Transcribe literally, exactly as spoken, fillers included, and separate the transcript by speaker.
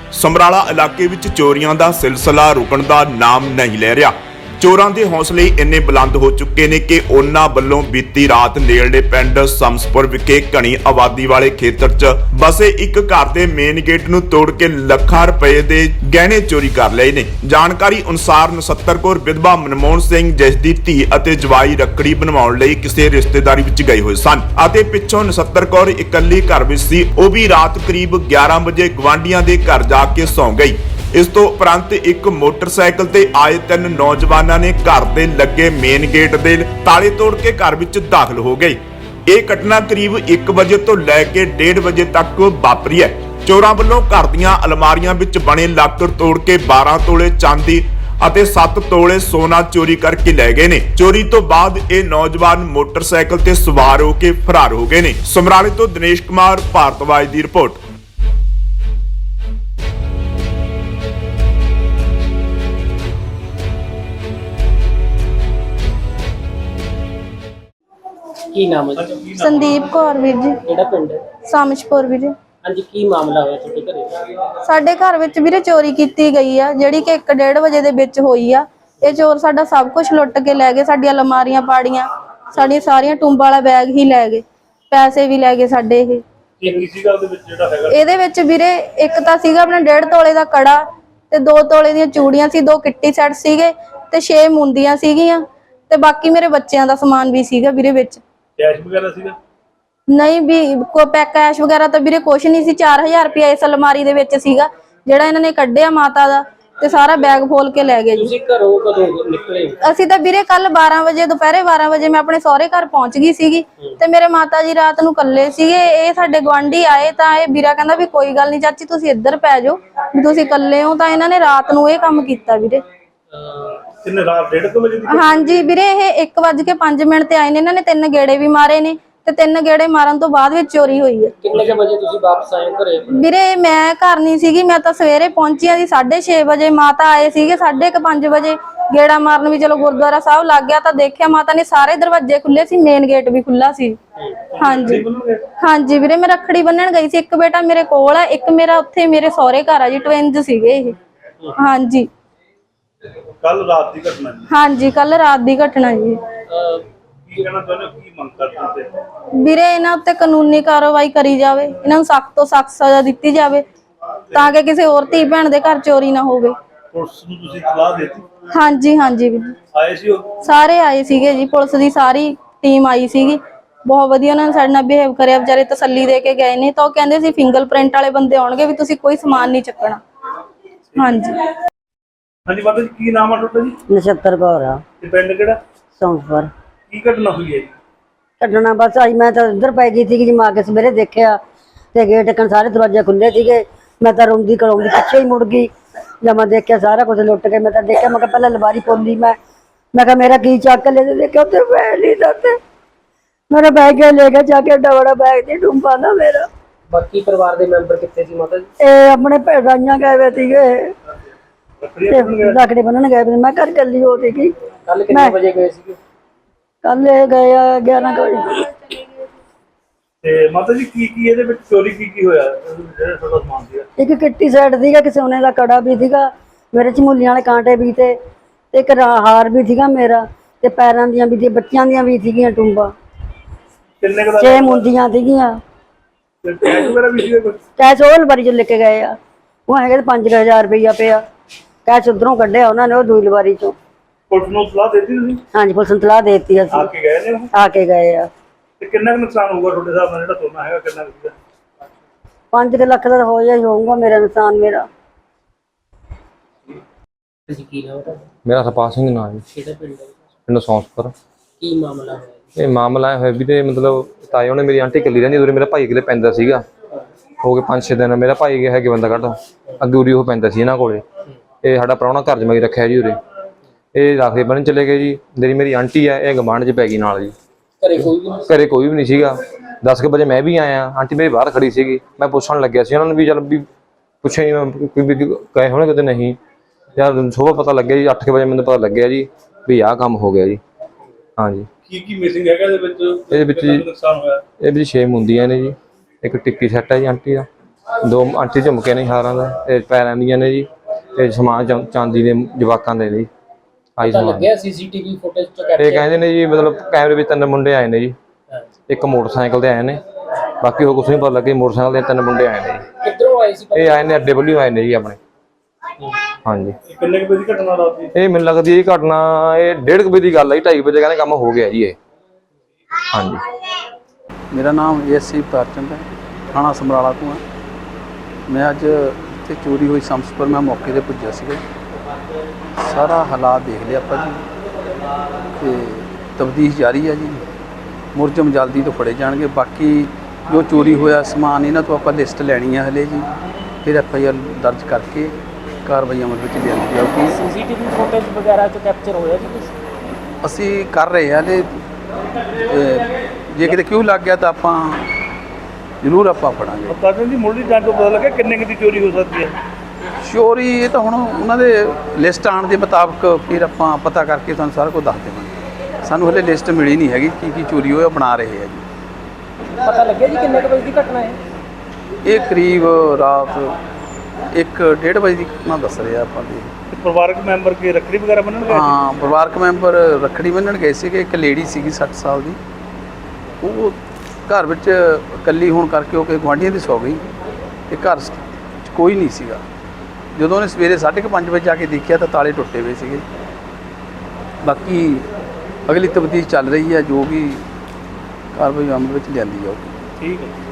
Speaker 1: ਸਮਰਾਲਾ ਇਲਾਕੇ ਵਿੱਚ ਚੋਰੀਆਂ ਦਾ ਸਿਲਸਿਲਾ ਰੁਕਣ ਦਾ ਨਾਮ ਨਹੀਂ ਲੈ ਰਿਹਾ। ਚੋਰਾਂ ਦੇ ਹੌਸਲੇ ਇੰਨੇ ਬੁਲੰਦ ਹੋ ਚੁੱਕੇ ਨੇ ਕਿ ਉਹਨਾਂ ਵੱਲੋਂ ਬੀਤੀ ਰਾਤ ਨੇੜਲੇ ਪਿੰਡ ਸਮਸਪੁਰ ਵਿਖੇ ਘਣੀ ਆਬਾਦੀ ਵਾਲੇ ਖੇਤਰ 'ਚ ਬਸੇ ਇੱਕ ਘਰ ਦੇ ਮੇਨ ਗੇਟ ਨੂੰ ਤੋੜ ਕੇ ਲੱਖਾਂ ਰੁਪਏ ਦੇ ਗਹਿਣੇ ਚੋਰੀ ਕਰ ਲਏ ਨੇ। ਜਾਣਕਾਰੀ ਅਨੁਸਾਰ ਨਛੱਤਰ ਕੌਰ ਵਿਧਵਾ ਮਨਮੋਹਨ ਸਿੰਘ ਜਿਸ ਦੀ ਧੀ ਅਤੇ ਜਵਾਈ ਰੱਖੜੀ ਬਣਵਾਉਣ ਲਈ ਕਿਸੇ ਰਿਸ਼ਤੇਦਾਰੀ ਵਿੱਚ ਗਏ ਹੋਏ ਸਨ ਅਤੇ ਪਿੱਛੋਂ ਨਛੱਤਰ ਕੌਰ ਇਕੱਲੀ ਘਰ ਵਿੱਚ ਸੀ। ਉਹ ਵੀ ਰਾਤ ਕਰੀਬ ਗਿਆਰਾਂ ਵਜੇ ਗਵਾਂਢੀਆਂ ਦੇ ਘਰ ਜਾ ਕੇ ਸੌਂ ਗਈ। ਇਸ ਤੋਂ ਉਪਰੰਤ ਇੱਕ ਮੋਟਰਸਾਈਕਲ ਤੇ ਆਏ ਤਿੰਨ ਨੌਜਵਾਨਾਂ ਨੇ ਘਰ ਦੇ ਲੱਗੇ ਮੇਨ ਗੇਟ ਦੇ ਤਾਲੇ ਤੋੜ ਕੇ ਘਰ ਵਿੱਚ ਦਾਖਲ ਹੋ ਗਏ। ਇਹ ਘਟਨਾ ਕਰੀਬ ਇੱਕ ਵਜੇ ਤੋਂ ਲੈ ਕੇ ਡੇਢ ਵਜੇ ਤੱਕ ਵਾਪਰੀ ਹੈ। ਚੋਰਾਂ ਵੱਲੋਂ ਘਰ ਦੀਆਂ ਅਲਮਾਰੀਆਂ ਵਿੱਚ ਬਣੇ ਲਾਕਰ ਤੋੜ ਕੇ ਬਾਰਾਂ ਤੋਲੇ ਚਾਂਦੀ ਅਤੇ ਸੱਤ ਤੋਲੇ ਸੋਨਾ ਚੋਰੀ ਕਰਕੇ ਲੈ ਗਏ ਨੇ। ਚੋਰੀ ਤੋਂ ਬਾਅਦ ਇਹ ਨੌਜਵਾਨ ਮੋਟਰਸਾਈਕਲ ਤੇ ਸਵਾਰ ਹੋ ਕੇ ਫਰਾਰ ਹੋ ਗਏ ਨੇ। ਸਮਰਾਲੇ ਤੋਂ ਦਿਨੇਸ਼ ਕੁਮਾਰ ਭਾਰਤਵਾਜ ਦੀ ਰਿਪੋਰਟ।
Speaker 2: ਕੀ ਨਾਮ ਹੈ ਜੀ?
Speaker 3: ਸੰਦੀਪ ਕੌਰ ਵੀਰ ਜੀ।
Speaker 2: ਕਿਹੜਾ ਪਿੰਡ ਹੈ?
Speaker 3: ਸਾਮਸ਼ਪੁਰ ਵੀਰ ਜੀ।
Speaker 2: ਹਾਂਜੀ, ਕੀ ਮਾਮਲਾ ਹੋਇਆ ਤੁਹਾਡੇ ਘਰੇ?
Speaker 3: ਸਾਡੇ ਘਰ ਵਿੱਚ ਵੀਰੇ ਚੋਰੀ ਕੀਤੀ ਗਈ ਆ, ਜਿਹੜੀ ਕਿ ਇੱਕ ਡੇਢ ਵਜੇ ਦੇ ਵਿੱਚ ਹੋਈ ਆ। ਇਹ ਚੋਰ ਸਾਡਾ ਸਭ ਕੁਝ ਲੁੱਟ ਕੇ ਲੈ ਗਏ। ਸਾਡੀਆਂ ਅਲਮਾਰੀਆਂ ਪਾੜੀਆਂ, ਸਾਡੀਆਂ ਸਾਰੀਆਂ ਟੁੰਬਾਂ ਵਾਲਾ ਬੈਗ ਹੀ ਲੈ ਗਏ, ਪੈਸੇ ਵੀ ਲੈ ਗਏ ਸਾਡੇ। ਇਹ
Speaker 4: ਕੀ ਸੀਗਾ ਉਹਦੇ ਵਿੱਚ ਜਿਹੜਾ ਹੈਗਾ?
Speaker 3: ਇਹਦੇ ਵਿੱਚ ਵੀਰੇ ਇੱਕ ਤਾਂ ਸੀਗਾ ਆਪਣਾ ਡੇਢ ਤੋਲੇ ਦਾ ਕੜਾ ਤੇ ਦੋ ਤੋਲੇ ਦੀਆਂ ਚੂੜੀਆਂ ਸੀ, ਦੋ ਕਿੱਟੀ ਸੈੱਟ ਸੀਗੇ ਤੇ ਛੇ ਮੁੰਦੀਆਂ ਸੀਗੀਆਂ ਤੇ ਬਾਕੀ ਮੇਰੇ ਬੱਚਿਆਂ ਦਾ ਸਮਾਨ ਵੀ ਸੀਗਾ ਵੀਰੇ ਵਿੱਚ।
Speaker 4: ਕੈਸ਼ ਵਗੈਰਾ ਸੀਗਾ?
Speaker 3: ਨਹੀਂ ਵੀ ਕੋ ਪੈਕ ਕੈਸ਼ ਵਗੈਰਾ ਤਾਂ ਵੀਰੇ ਕੁਛ ਨਹੀਂ ਸੀ। ਚਾਰ ਹਜ਼ਾਰ ਰੁਪਇਆ ਇਸ ਅਲਮਾਰੀ ਦੇ ਵਿੱਚ ਸੀਗਾ ਜਿਹੜਾ ਇਹਨਾਂ ਨੇ ਕੱਢਿਆ ਮਾਤਾ ਦਾ, ਤੇ ਸਾਰਾ ਬੈਗ ਫੋਲ ਕੇ ਲੈ ਗਏ ਜੀ।
Speaker 2: ਤੁਸੀਂ ਘਰੋਂ ਕਦੋਂ ਨਿਕਲੇ?
Speaker 3: ਅਸੀਂ ਤਾਂ ਵੀਰੇ ਕੱਲ ਬਾਰਾਂ ਵਜੇ ਦੁਪਹਿਰੇ ਬਾਰਾਂ ਵਜੇ ਮੈਂ ਆਪਣੇ ਸਹੁਰੇ ਘਰ ਪਹੁੰਚ ਗਈ ਸੀਗੀ ਤੇ ਮੇਰੇ ਮਾਤਾ ਜੀ ਰਾਤ ਨੂੰ ਇਕੱਲੇ ਸੀਗੇ। ਇਹ ਸਾਡੇ ਗੁਆਂਢੀ ਆਏ ਤਾਂ ਇਹ ਵੀਰਾ ਕਹਿੰਦਾ ਵੀ ਕੋਈ ਗੱਲ ਨਹੀਂ ਚਾਚੀ ਤੁਸੀਂ ਇੱਧਰ ਪੈ ਜਾਓ ਵੀ ਤੁਸੀਂ ਇਕੱਲੇ ਹੋ। ਤਾਂ ਇਹਨਾਂ ਨੇ ਰਾਤ ਨੂੰ ਇਹ ਕੰਮ ਕੀਤਾ ਵੀਰੇ।
Speaker 4: ਕਿੰਨੇ ਰਾਤ ਡੇਢ ਕੁ ਵਜੇ ਦੀ?
Speaker 3: ਹਾਂਜੀ ਵੀਰੇ, ਇਹ ਇੱਕ ਵੱਜ ਕੇ ਪੰਜ ਮਿੰਟ ਤੇ ਆਏ ਨੇ। ਇਹਨਾਂ ਨੇ ਤਿੰਨ ਗੇੜੇ ਵੀ ਮਾਰੇ ਨੇ ਤੇ ਤਿੰਨ ਗੇੜੇ ਮਾਰਨ ਤੋਂ ਬਾਅਦ ਵਿੱਚ ਚੋਰੀ ਹੋਈ ਹੈ।
Speaker 2: ਕਿੰਨੇ ਕੁ ਵਜੇ ਤੁਸੀਂ ਵਾਪਸ ਆਏ ਘਰੇ?
Speaker 3: ਵੀਰੇ ਮੈਂ ਘਰ ਨਹੀਂ ਸੀਗੀ, ਮੈਂ ਤਾਂ ਸਵੇਰੇ ਪਹੁੰਚੀ ਆ ਜੀ ਸਾਢੇ ਛੇ ਵਜੇ। ਮਾਤਾ ਆਏ ਸੀਗੇ ਸਾਢੇ ਕੁ ਪੰਜ ਵਜੇ ਗੇੜਾ ਮਾਰਨ ਵੀ ਚਲੋ ਗੁਰਦੁਆਰਾ ਸਾਹਿਬ ਲੱਗ ਗਿਆ ਤਾਂ ਦੇਖਿਆ ਮਾਤਾ ਨੇ ਸਾਰੇ ਦਰਵਾਜ਼ੇ ਖੁੱਲੇ ਸੀ, ਮੇਨ ਗੇਟ ਵੀ ਖੁੱਲਾ ਸੀ। ਹਾਂਜੀ ਹਾਂਜੀ ਵੀਰੇ, ਮੈਂ ਰੱਖੜੀ ਬੰਨਣ ਗਈ ਸੀ। ਇੱਕ ਬੇਟਾ ਮੇਰੇ ਕੋਲ ਆ, ਇੱਕ ਮੇਰਾ ਉੱਥੇ ਮੇਰੇ ਸਹੁਰੇ ਘਰ ਆ ਜੀ। ਟਵਿੰਜ ਸੀਗੇ ਇਹ। ਹਾਂਜੀ
Speaker 4: ਕੱਲ ਰਾਤ ਦੀ ਘਟਨਾ ਜੀ?
Speaker 3: ਹਾਂਜੀ ਕੱਲ ਰਾਤ ਦੀ ਘਟਨਾ ਜੀ।
Speaker 4: ਕੀ ਕਹਿਣਾ ਚਾਹੁੰਦੇ ਹੋ, ਕੀ ਮੰਗ ਕਰਦੇ ਹੋ?
Speaker 3: ਵੀਰੇ ਇਹਨਾਂ ਉੱਤੇ ਕਾਨੂੰਨੀ ਕਾਰਵਾਈ ਕਰੀ ਜਾਵੇ, ਇਹਨਾਂ ਨੂੰ ਸਖਤ ਤੋਂ ਸਖਤ ਸਜ਼ਾ ਦਿੱਤੀ ਜਾਵੇ ਤਾਂ ਕਿ ਕਿਸੇ ਹੋਰ ਧੀ ਭੈਣ ਦੇ ਘਰ ਚੋਰੀ ਨਾ ਹੋਵੇ।
Speaker 4: ਪੁਲਿਸ ਨੂੰ ਤੁਸੀਂ ਇਤਲਾਹ ਦਿੱਤੀ?
Speaker 3: ਹਾਂਜੀ ਹਾਂਜੀ ਵੀਰ,
Speaker 4: ਆਏ ਸੀ ਉਹ?
Speaker 3: ਸਾਰੇ ਆਏ ਸੀਗੇ ਜੀ, ਪੁਲਿਸ ਦੀ ਸਾਰੀ ਟੀਮ ਆਈ ਸੀਗੀ। ਬਹੁਤ ਵਧੀਆ ਉਹਨਾਂ ਨੇ ਸਾਡੇ ਨਾਲ ਬਿਹੇਵ ਕਰਿਆ, ਵਿਚਾਰੇ ਤਸੱਲੀ ਦੇ ਕੇ ਗਏ ਨੇ। ਤਾਂ ਉਹ ਕਹਿੰਦੇ ਸੀ ਫਿੰਗਰਪ੍ਰਿੰਟ ਵਾਲੇ ਬੰਦੇ ਆਉਣਗੇ ਵੀ ਤੁਸੀਂ ਕੋਈ ਸਮਾਨ ਨਹੀਂ ਚੱਕਣਾ। ਹਾਂਜੀ
Speaker 4: ਹਾਂਜੀ ਮਾਤਾ ਜੀ, ਕੀ ਨਾਮ ਆ ਤੁਹਾਡਾ ਜੀ?
Speaker 5: ਨਛੱਤਰ ਕੌਰ ਆ।
Speaker 4: ਤੇ ਪਿੰਡ ਕਿਹੜਾ?
Speaker 5: ਸੌਂਫਰ।
Speaker 4: ਕੀ ਘਟਨਾ ਹੋਈ ਹੈ ਜੀ?
Speaker 5: ਕੱਢਣਾ ਬਸ ਆਈ, ਮੈਂ ਤਾਂ ਇੱਧਰ ਪੈ ਗਈ ਸੀਗੀ ਜੀ। ਮੈਂ ਆ ਕੇ ਸਵੇਰੇ ਦੇਖਿਆ ਤੇ ਗੇਟ ਕਨ ਸਾਰੇ ਦਰਵਾਜ਼ੇ ਖੁੱਲੇ ਸੀਗੇ। ਮੈਂ ਤਾਂ ਰੋਂਦੀ ਕਰਾਉਂਦੀ ਪਿੱਛੇ ਹੀ ਮੁੜ ਗਈ। ਜਦ ਮੈਂ ਦੇਖਿਆ ਸਾਰਾ ਕੁਝ ਲੁੱਟ ਕੇ, ਮੈਂ ਤਾਂ ਦੇਖਿਆ, ਮੈਂ ਕਿਹਾ ਪਹਿਲਾਂ ਲਵਾਰੀ ਪੋਲੀ। ਮੈਂ ਮੈਂ ਕਿਹਾ ਮੇਰਾ ਕੀ ਚੱਕ ਲੈ, ਦੇਖਿਆ ਉੱਥੇ ਬੈਗ ਨਹੀਂ ਦਿੱਤੇ। ਮੇਰਾ ਬੈਗ ਲੈ ਕੇ ਜਾ ਕੇ ਏਡਾ ਬੜਾ ਬੈਗ ਦੀ ਡੂੰਬਾ ਨਾ ਮੇਰਾ।
Speaker 2: ਬਾਕੀ ਪਰਿਵਾਰ ਦੇ ਮੈਂਬਰ ਕਿੱਥੇ ਸੀ ਮਾਤਾ ਜੀ?
Speaker 5: ਇਹ ਆਪਣੇ ਭੈਣਾਂ ਗਏ ਵੇ ਸੀਗੇ, ਰੱਖੜੀ ਬੰਨਣ ਗਏ ਵੇ। ਮੈਂ ਘਰ ਕੱਲੀ ਹੋ ਸੀਗੀ।
Speaker 2: ਕੱਲ ਕਿੰਨੇ ਵਜੇ ਗਏ ਸੀਗੇ?
Speaker 5: ਕੱਲ ਇਹ ਗਏ ਆ ਗਿਆਰਾਂ ਵਜੇ।
Speaker 4: ਤੇ ਮਾਤਾ ਜੀ ਕੀ ਕੀ ਇਹਦੇ ਵਿੱਚ ਚੋਰੀ ਕੀ ਕੀ ਹੋਇਆ ਜਿਹੜਾ ਤੁਹਾਡਾ ਸਮਾਨ ਸੀਗਾ?
Speaker 5: ਇੱਕ ਕਿੱਟੀ ਸੈੱਟ ਸੀਗਾ, ਕਿ ਸੋਨੇ ਦਾ ਕੜਾ ਵੀ ਸੀਗਾ ਮੇਰੇ, ਝਮੂਲੀਆਂ ਵਾਲੇ ਕਾਂਟੇ ਵੀ ਤੇ ਇੱਕ ਹਾਰ ਵੀ ਸੀਗਾ ਮੇਰਾ, ਤੇ ਪੈਰਾਂ ਦੀਆਂ ਵੀ, ਬੱਚਿਆਂ ਦੀਆਂ ਵੀ ਸੀਗੀਆਂ ਟੁੰਬਾਂ।
Speaker 4: ਕਿੰਨੇ ਕੁ ਦਾ?
Speaker 5: ਛੇ ਮੁੰਦੀਆਂ ਸੀਗੀਆਂ।
Speaker 4: ਕੈਸ਼ ਵਗੈਰਾ ਵੀ ਸੀਗਾ ਕੁਝ?
Speaker 5: ਕੈਸ਼ ਉਹ ਲਵਾਰੀ ਚੋਂ ਲੈ ਕੇ ਗਏ ਆ। ਉਹ ਹੈਗੇ ਪੰਜ ਹਜ਼ਾਰ ਰੁਪਈਆ ਪਿਆ ਕੈਸ਼, ਉਧਰੋਂ ਕੱਢਿਆ ਉਹਨਾਂ ਨੇ ਉਹ ਦੂਈ ਲਵਾਰੀ ਚੋਂ।
Speaker 4: ਪੁਲਿਸ ਨੂੰ ਸਲਾਹ ਦਿੱਤੀ ਤੁਸੀਂ?
Speaker 5: ਹਾਂਜੀ ਪੁਲਿਸ ਨੂੰ ਸਲਾਹ ਦੇ ਦਿੱਤੀ
Speaker 4: ਆ
Speaker 5: ਅਸੀਂ।
Speaker 4: ਕੇ ਗਏ ਨੇ ਉਹ?
Speaker 5: ਆ ਕੇ ਗਏ ਆ।
Speaker 4: ਤੇ ਕਿੰਨਾ ਕੁ ਨੁਕਸਾਨ ਹੋਊਗਾ ਤੁਹਾਡੇ ਹਿਸਾਬ ਨਾਲ ਜਿਹੜਾ ਸੋਨਾ ਹੈਗਾ, ਕਿੰਨਾ ਕੁ ਸੀਗਾ?
Speaker 5: ਪੰਜ ਕੁ ਲੱਖ ਦਾ ਹੋ ਜਾਈ ਹੋਊਗਾ ਮੇਰਾ ਨੁਕਸਾਨ। ਮੇਰਾ
Speaker 2: ਤੁਸੀਂ ਕੀ ਨਾਮ ਹੈ?
Speaker 6: ਮੇਰਾ ਹਰਪਾਲ ਸਿੰਘ ਨਾਂ ਜੀ।
Speaker 2: ਕਿਹੜਾ ਪਿੰਡ ਹੈ?
Speaker 6: ਪਿੰਡ ਸੌਂਸਪੁਰ।
Speaker 2: ਕੀ ਮਾਮਲਾ ਹੋਇਆ?
Speaker 6: ਇਹ ਮਾਮਲਾ ਹੋਇਆ ਵੀ ਤੇ ਮਤਲਬ ਤਾਏ ਉਹਨੇ ਮੇਰੀ ਆਂਟੀ ਇਕੱਲੀ ਰਹਿੰਦੀ, ਉਰੇ ਮੇਰਾ ਭਾਈ ਕਿਲੇ ਪੈਂਦਾ ਸੀਗਾ। ਹੋ ਗਏ ਪੰਜ ਛੇ ਦਿਨ। ਮੇਰਾ ਭਾਈ ਗਿਆ ਹੈਗੇ ਬੰਦਾ ਕੱਢ ਅੱਗੇ ਉਰੀ ਉਹ ਪੈਂਦਾ ਸੀ ਇਹਨਾਂ ਕੋਲੇ। ਇਹ ਸਾਡਾ ਪ੍ਰਾਹੁਣਾ ਘਰ ਜਮਾਈ ਰੱਖਿਆ ਜੀ ਉਰੇ। ਇਹ ਰਾਖੇ ਬੰਨ ਚਲੇ ਗਏ ਜੀ। ਜਿਹੜੀ ਮੇਰੀ ਆਂਟੀ ਆ ਇਹ ਗਵਾਂਢ 'ਚ ਪੈ ਗਈ ਨਾਲ ਜੀ।
Speaker 2: ਘਰੇ ਕੋਈ ਵੀ ਨਹੀਂ?
Speaker 6: ਘਰੇ ਕੋਈ ਵੀ ਨਹੀਂ ਸੀਗਾ। ਦਸ ਕੁ ਵਜੇ ਮੈਂ ਵੀ ਆਇਆ, ਆਂਟੀ ਮੇਰੀ ਬਾਹਰ ਖੜੀ ਸੀਗੀ। ਮੈਂ ਪੁੱਛਣ ਲੱਗਿਆ ਸੀ ਉਹਨਾਂ ਨੂੰ ਵੀ ਚੱਲ ਵੀ ਪੁੱਛਿਆ ਹੀ ਕੋਈ ਗਏ ਹੋਣੇ ਕਿਤੇ ਨਹੀਂ। ਯਾਰ ਸੁਬਾਹ ਪਤਾ ਲੱਗਿਆ ਜੀ, ਅੱਠ ਕੁ ਵਜੇ ਮੈਨੂੰ ਪਤਾ ਲੱਗਿਆ ਜੀ ਵੀ ਆਹ ਕੰਮ ਹੋ ਗਿਆ ਜੀ। ਹਾਂਜੀ
Speaker 4: ਕੀ ਕੀ ਮਿਸਿੰਗ ਹੈਗਾ ਇਹਦੇ ਵਿੱਚ?
Speaker 6: ਇਹਦੇ ਵਿੱਚ ਜੀ
Speaker 4: ਨੁਕਸਾਨ ਹੋਇਆ?
Speaker 6: ਇਹ ਵੀ ਛੇ ਮੁੰਦੀਆਂ ਨੇ ਜੀ, ਇੱਕ ਟਿੱਕੀ ਸੈੱਟ ਹੈ ਜੀ ਆਂਟੀ ਦਾ, ਦੋ ਆਂਟੀ ਝੁਮਕੇ ਨੇ ਹਾਰਾਂ ਦਾ ਤੇ ਪੈਰਾਂ ਦੀਆਂ ਨੇ ਜੀ ਤੇ ਸਮਾਨ ਚਾ- ਚਾਂਦੀ ਦੇ ਜਵਾਕਾਂ ਦੇ ਨੇ ਜੀ ਆਈ
Speaker 2: ਪਤਾ
Speaker 6: ਸਮਾਨ।
Speaker 2: ਲੱਗਿਆ ਸੀਸੀਟੀਵੀ ਫੁਟੇਜ ਚ
Speaker 6: ਇਹ
Speaker 2: ਕੈਪਚਰ
Speaker 6: ਕਹਿੰਦੇ ਨੇ ਜੀ ਮਤਲਬ ਕੈਮਰੇ ਵਿੱਚ ਤਿੰਨ ਮੁੰਡੇ ਆਏ ਨੇ ਜੀ, ਇੱਕ ਮੋਟਰਸਾਈਕਲ ਤੇ ਆਏ ਨੇ, ਬਾਕੀ ਉਹ ਕੁਛ ਨਹੀਂ ਪਤਾ ਲੱਗੇ। ਮੋਟਰਸਾਈਕਲ ਤੇ ਤਿੰਨ ਮੁੰਡੇ ਆਏ ਨੇ ਜੀ,
Speaker 2: ਕਿੱਧਰੋਂ ਆਏ ਸੀ ਪਤਾ?
Speaker 6: ਇਹ ਆਏ ਨੇ ਅੱਡੇ ਵੱਲੋਂ ਆਏ ਨੇ ਜੀ ਆਪਣੇ। ਹਾਂਜੀ
Speaker 4: ਇਹ ਕਿੰਨੇ ਕੁ ਵਜੇ ਦੀ ਘਟਨਾ ਰਾਤ ਦੀ?
Speaker 6: ਇਹ ਮੈਨੂੰ ਲੱਗਦੀ ਇਹ ਘਟਨਾ ਇਹ ਡੇਢ ਕੁ ਵਜੇ ਦੀ ਗੱਲ ਹੈ ਜੀ, ਢਾਈ ਵਜੇ ਕਹਿੰਦੇ ਕੰਮ ਹੋ ਗਿਆ ਜੀ ਇਹ। ਹਾਂਜੀ
Speaker 7: ਮੇਰਾ ਨਾਮ ਏਐਸਸੀ ਪ੍ਰਚੰਦ ਹੈ, ਥਾਣਾ ਸਮਰਾਲਾ ਤੋਂ ਹਾਂ। ਮੈਂ ਅੱਜ ਇੱਥੇ ਚੋਰੀ ਹੋਈ ਸੰਸਪਰ ਮੈਂ ਮੌਕੇ ਤੇ ਪੁੱਜਿਆ ਸੀਗਾ। ਸਾਰਾ ਹਾਲਾਤ ਦੇਖ ਲਿਆ ਆਪਾਂ ਜੀ ਤੇ ਤਫਤੀਸ਼ ਜਾਰੀ ਹੈ ਜੀ। ਮੁਲਜ਼ਮ ਜਲਦੀ ਤੋਂ ਫੜੇ ਜਾਣਗੇ। ਬਾਕੀ ਜੋ ਚੋਰੀ ਹੋਇਆ ਸਮਾਨ ਇਹਨਾਂ ਤੋਂ ਆਪਾਂ ਲਿਸਟ ਲੈਣੀ ਹੈ ਹਲੇ ਜੀ, ਫਿਰ ਐਫ ਆਈ ਆਰ ਦਰਜ ਕਰਕੇ ਕਾਰਵਾਈ ਅਮਲ ਵਿੱਚ ਲਿਆਂਦੀ ਜਾਊਗੀ।
Speaker 2: ਸੀਸੀਟੀਵੀ ਫੁਟੇਜ ਵਗੈਰਾ ਚ ਕੈਪਚਰ ਹੋਇਆ ਜੀ ਕੁਛ?
Speaker 7: ਅਸੀਂ ਕਰ ਰਹੇ ਹਾਂ ਹਲੇ, ਜੇ ਕਿਤੇ ਕਿਉਂ ਲੱਗ ਗਿਆ ਤਾਂ ਆਪਾਂ ਜ਼ਰੂਰ ਆਪਾਂ ਫੜਾਂਗੇ।
Speaker 4: ਪਤਾ ਜੀ ਮੁੱਢਲੀ ਜਾਂਚ ਤੋਂ ਪਤਾ ਲੱਗਿਆ ਕਿੰਨੇ ਕੁ ਦੀ ਚੋਰੀ ਹੋ ਸਕਦੀ ਹੈ?
Speaker 7: ਚੋਰੀ ਇਹ ਤਾਂ ਹੁਣ ਉਹਨਾਂ ਦੇ ਲਿਸਟ ਆਉਣ ਦੇ ਮੁਤਾਬਕ ਫਿਰ ਆਪਾਂ ਪਤਾ ਕਰਕੇ ਤੁਹਾਨੂੰ ਸਾਰਾ ਕੁਝ ਦੱਸ ਦੇਵਾਂਗੇ। ਸਾਨੂੰ ਹਲੇ ਲਿਸਟ ਮਿਲੀ ਨਹੀਂ ਹੈਗੀ ਕੀ ਕੀ ਚੋਰੀ ਹੋਇਆ, ਬਣਾ ਰਹੇ ਆ ਜੀ।
Speaker 2: ਪਤਾ ਲੱਗਿਆ ਜੀ ਕਿੰਨੇ ਕੁ ਵਜੇ ਦੀ ਘਟਨਾ ਹੈ?
Speaker 7: ਇਹ ਕਰੀਬ ਰਾਤ ਇੱਕ ਡੇਢ ਵਜੇ ਦੀ ਘਟਨਾ ਦੱਸ ਰਿਹਾ ਆਪਾਂ ਦੇ।
Speaker 4: ਤੇ ਪਰਿਵਾਰਕ ਮੈਂਬਰ ਕੀ ਰੱਖੜੀ ਵਗੈਰਾ ਬੰਨਣ ਗਏ?
Speaker 7: ਹਾਂ, ਪਰਿਵਾਰਕ ਮੈਂਬਰ ਰੱਖੜੀ ਬੰਨ੍ਹਣ ਗਏ ਸੀਗੇ। ਇੱਕ ਲੇਡੀ ਸੀਗੀ ਸੱਠ ਸਾਲ ਦੀ, ਉਹ ਘਰ ਵਿੱਚ ਇਕੱਲੀ ਹੋਣ ਕਰਕੇ ਉਹ ਕਿ ਗੁਆਂਢੀਆਂ ਦੀ ਸੌ ਗਈ ਤੇ ਘਰ 'ਚ ਕੋਈ ਨਹੀਂ ਸੀਗਾ। ਜਦੋਂ ਉਹਨੇ ਸਵੇਰੇ ਸਾਢੇ ਕੁ ਪੰਜ ਵਜੇ ਜਾ ਕੇ ਦੇਖਿਆ ਤਾਂ ਤਾਲੇ ਟੁੱਟੇ ਹੋਏ ਸੀਗੇ। ਬਾਕੀ ਅਗਲੀ ਤਫਤੀਸ਼ ਚੱਲ ਰਹੀ ਹੈ, ਜੋ ਵੀ ਕਾਰਵਾਈ ਅਮਲ ਵਿੱਚ ਲਿਆਂਦੀ ਜਾਊਗੀ।
Speaker 4: ਠੀਕ ਹੈ।